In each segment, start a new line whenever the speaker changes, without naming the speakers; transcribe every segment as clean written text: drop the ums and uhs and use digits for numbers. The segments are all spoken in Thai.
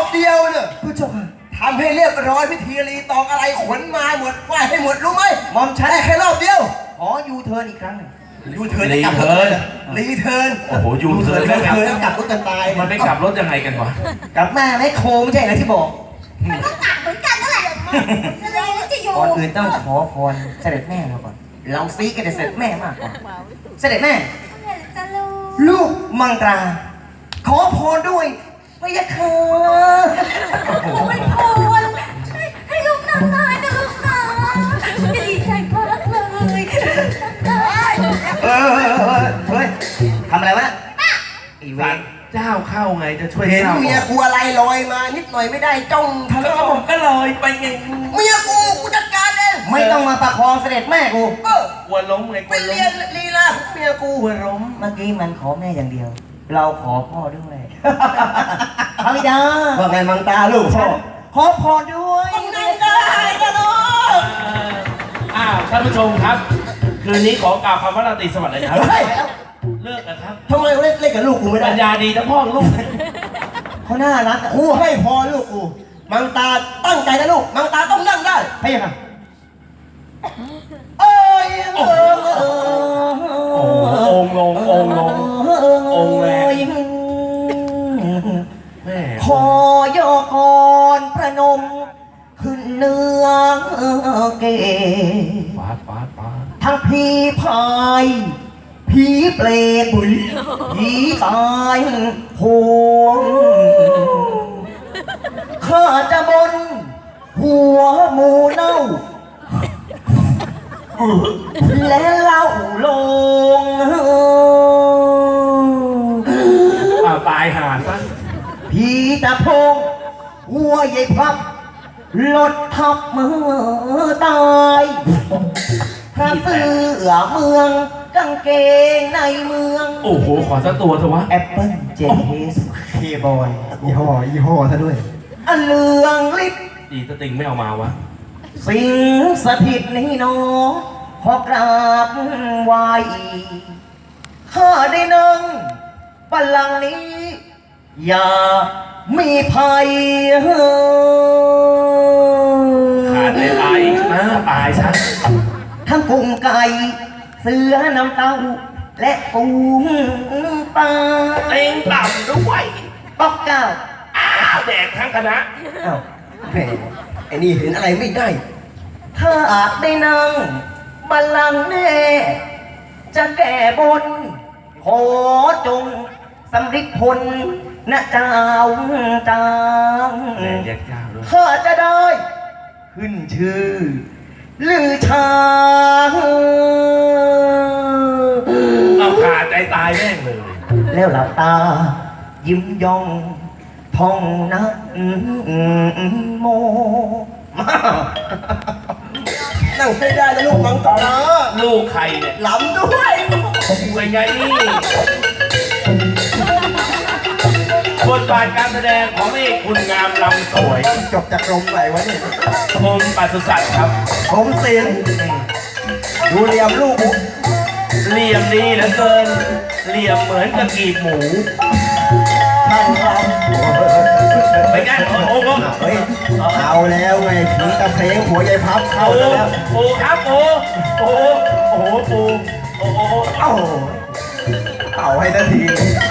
เดียวเนี่ย
ผู้เจ้าค่ะ
ทำให้เรียบร้อยพิธีรีตองอะไรขนมาหมดไหวให้หมดรู้ไหม
หม่อมฉัน
ได้แค่รอบเดียว
ขอยูเทิร์นอีกครั้งหนึ่ง
ยูเทิร์นจะกลับรถเลยรีเทิร์น
โอ้โหยูเทิร์น
รี
แล้ว
เทิร์นแล้วกลับรถกันตาย
มันไม่กลับรถยังไงกันวะ
กลับมาแม่โคไม่ใช่เหรอที่บอก
มันก็กลับเหมือนกันนั่นแหละอะไรจะอยู่
ก่อนอื่นต้องขอพรเสด็จแม่เราก่อน เราซีกันแต่เสด็จแม่มากกว่า เสด็จแม่
จะรู้
ลูกมังตรา ขอพรด้วยพระยาค่ะ
ไม่พอให้ลูกนำได้นะลูกนะจะดีใจมากเลยนำได้
เฮ้ยทำอะไรวะอีเว
สั
น
นเจ้าเข้าไงจะช่วย
เห็น
เจ้า
เมียกูอะไรลอยมานิดหน่อยไม่ได้จ้องทะ
แล้ว
เลาะ
ผมก็ลอยไปไง
เมียกูจัดการเอง
ไม่ต้องมาประคองเสด็จแม่กู
กลัวล้มไงก
ไป
ลัวล้
เรียน
ม
ลีลาของเมียกู
กลัวล้ม
เมื่อกี้มันขอแม่อย่างเดียว เราขอพ่อด้วยพระบิดา
ว่าไงมังตาลูกพ่อ
ขอพรด้วย
ต้องนั่งได้นะลูก
ท่านผู้ชมครับ คืนนี้ขอกล่าวคำว่าราตรีสวัสดิ์เลยครับ
เฮ้ย
เลิกนะครับ
ทำไมเล่นกับลูกกูไม่ได้
ปัญญาดีทั้งพ่อลูก
เขาน่ารัก
กูให้พรลูกกูมังตาตั้งใจนะลูกมังตาต้องนั่งได้
พระยาค่ะ
เอ้ย
โอ้โหองค์ลงองค์ลงองค์แรง แม่
ขอยกรประนม ขึ้นเนื้อเก
ฟาดฟาดฟาด
ทั้งผีพายผีเปรตผีตายโหงข้าจะบน หัวหมูเน่า และเล่าลง
ตายหาซะ
ผีตะพง หัวใหญ่พับรถทับมือตายพระเสือเมืองกางเกงในเมือง
โอ้โหขอสักตัวเถอะวะ
แอปเปิ้ลเจสเคบอย
ยี่ห้อซะด้วย
อันเลืองลิบ
ดีสติงไม่เอามาวะ
สิงสถิตในหนอขอกราบไหวข้าได้นั่งบัลลังก์นี้ อย่ามีภัย
ขาดเลยตายอีกนะตายซะ
ทั้งกุ้งไก่เสือน้ำเต้า และปูปลา
เต็งต่ำด้วย
ป๊อกเก้า
อ้าวแดกทั้งคณะ
อ้าว
แหมไอ้นี่เห็นอะไรไม่ได้
ถ้าอาจได้นั่งบัลลังก์แน่ จะแก้บน ขอจงสำริดผลนะเจ้าจาง
แดกแยกเจ้าด้วย
ข้าจะได้ ขึ้นชื่อ ลือชา
เอาขาดใจตายแม่งเลย
แล้วหลับตา ยิ้มย่องท่องนักโม
นั่งให้ได้นะลูกมังตา
ลูกใครเนี่ย
หลำด้วย
เป็นไงนี่บทบาทการแสดงของเอกคุณงามลำสวย
จบจากกรมไหนวะเนี่ย
กรมปศุสัตว์ครับ
ผมศิลป์ดูเรียมลูกกู
เหลี่ยมดีเหลือเกิน เหลี่ยมเหมือนกับกีบหมู
ช่างครับ
ไปกันโอ้โห
เฮ้ยเอาแล้วไงผีตะเพลงหัวใหญ่พับเข้า
โอ้
แล้ว
โหครับโอ้โหโอ้โหปูโอ้โห
เอ้าเป่าให้ทันที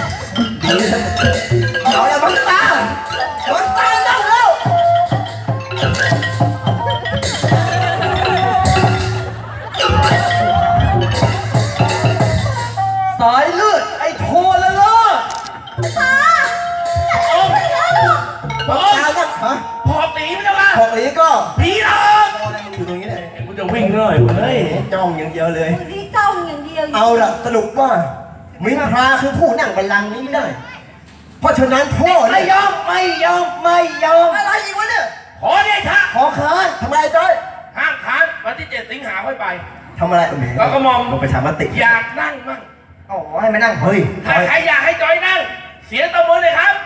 เอาแล้วมังตามังตานั่งแล้ว
สายเลือดไอ้โทละเลิศ
มังตานั่งฮะ
พอตีไม่ได้ละ
พวกนี้ก็
ผีหลอก
อยู่ตรงนี้เลย
กูจะวิ่งเลยเฮ้ย
จ้องอย่างเดียวเลย
นี่จ้องอย่างเดียว
เอาล่ะสรุปว่ามินทราคือผู้นั่งบัลลังก์นี้ได้ เพราะฉะนั้นพ่อ
ไม่
เนี่ย
ยอมไม่ยอมไม่ยอม
อะไรอีกวะเนี่ย
ขอเดชะ
ขอค้าน
ทำไมจ้อย
ห้ามค้านวันที่7 สิงหาค่อยไป
ทำอะไร
แล้วก็มอง
ลงไปชามติ
อยากนั่งมั่ง
อ๋อให้มานั่ง
เฮ้ย
ถ้าใครอยากให้จอยนั่ง เสียตัวมือเลยครับ